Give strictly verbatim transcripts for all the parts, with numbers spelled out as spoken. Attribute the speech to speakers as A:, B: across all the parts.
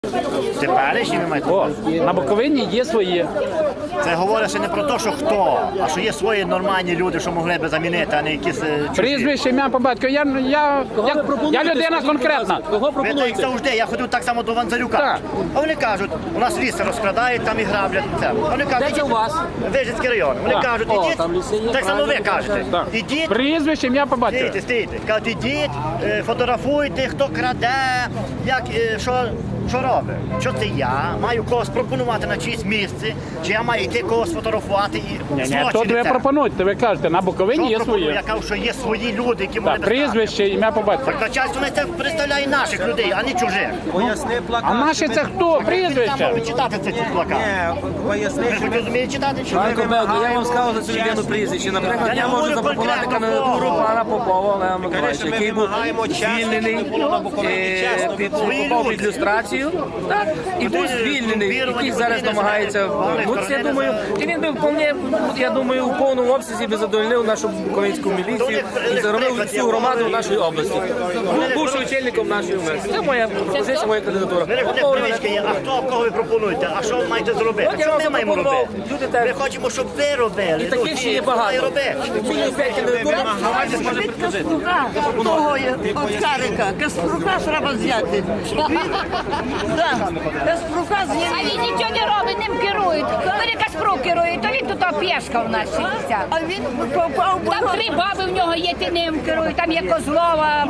A: Теперішні ви маєте?
B: О, на Буковині є свої.
A: Це говорить ще не про те, що хто, а що є свої нормальні люди, що могли би замінити, а не якісь е, чужі.
B: Прізвище, ім'я по батьку. Я, я, я, я людина конкретна.
C: Кого
A: Ви то як
C: пропонуєте?
A: завжди, я ходив так само до Ванзарюка.
B: Так.
A: А вони кажуть, у нас ліси розкрадають, там і граблять. Це. А вони кажуть,
C: Де це у вас?
A: Вижницький район. Вони
B: Так.
A: кажуть,
C: О,
A: ідіть,
C: там ліси є,
A: так само ви
C: правильно,
A: кажете,
B: Так.
A: ідіть,
B: Прізвище, ім'я по батьку.
A: стійте, стійте. Кажуть, ідіть, е, фотографуйте, хто краде, як, е, що, що робить. Що це я маю когось пропонувати на чиїсь місце, чи я маю йти когось фотографувати і
B: Ні, ні,
A: злочини
B: тут ви
A: це.
B: пропонуєте, ви кажете, на Буковині
A: Що
B: є
A: пропоную?
B: свої.
A: Я кажу, що є свої люди, які могли
B: Так,
A: би стати.
B: прізвище, ім'я по батьку.
A: Так начальство не це представляє наших людей, а не чужих.
C: Поясни плакат.
B: А наші це хто?
A: Там
B: Прізвище?
A: можуть читати це ці плакати.
C: Ні, поясни,
A: Ви
C: що
A: хоч розумієте читати? Чи
C: Пане
A: ні?
C: Кобелко, я вам сказав за цю людину прізвище. Наприклад,
A: Я
C: я
A: не
C: можу
A: говорю
C: запропонувати
A: конкретно
C: кандидатуру
A: кого.
C: пана Попова Олега Миколаївича, який був звільнений е, під попав під люстрацію, так, і був звільнений, який зараз намагається вернутися, я думаю. І він би вполне, я думаю, у повному обсязі би задовольнив нашу буковинську міліцію і заробив всю громаду нашої області. Був бувши очільником нашої області. Це моя пропозиція, моя кандидатура.
A: Ви не
C: Попов
A: привички є, а хто кого ви пропонуєте? А що ви маєте зробити?
C: От я
A: Що
C: вам
A: ми маємо
C: запропонував.
A: робити?
C: Люди так-
A: Ми хочемо, щоб ви робили.
C: І таких ще є багато. Мінімум п'ять кандидатур, громадськість може предложити.
D: Того є, от Карика. Каспрука треба взяти. Так, Каспрука
E: А
D: з'їли.
E: він нічого не робить, ним керують. Коли Каспру керує, то він тут пєшка в нас сидиться.
D: А він попав в
E: Там три баби в нього є, ти ним керує, там є Козлова.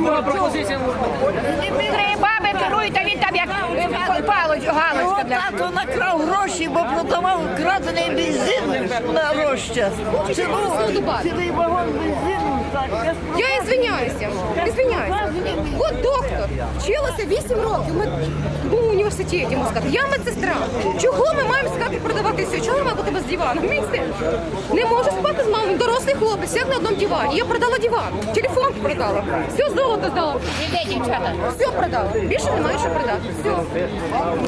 E: Три баби керують, а він там як е, палич,
D: Його
E: галочка. для-
D: тато накрав гроші, бо продавав крадений бензин на розчас. Цілу, цілий вагон бензину. Так, Каспрука.
F: Я извиняюся, извиняюся. От доктор, вчилася вісім років. Ми були в університеті, можна сказати. Я медсестра. Чого ми маємо сказати продавати все? Чого ми маємо бути без дивану? Місце. Не можу спати з мамою. Дорослий хлопець, як на одному дивані. Я продала диван, телефон продала, все золото здала.
E: Іде, дівчата.
F: Все продала. Більше немає що продати. Все.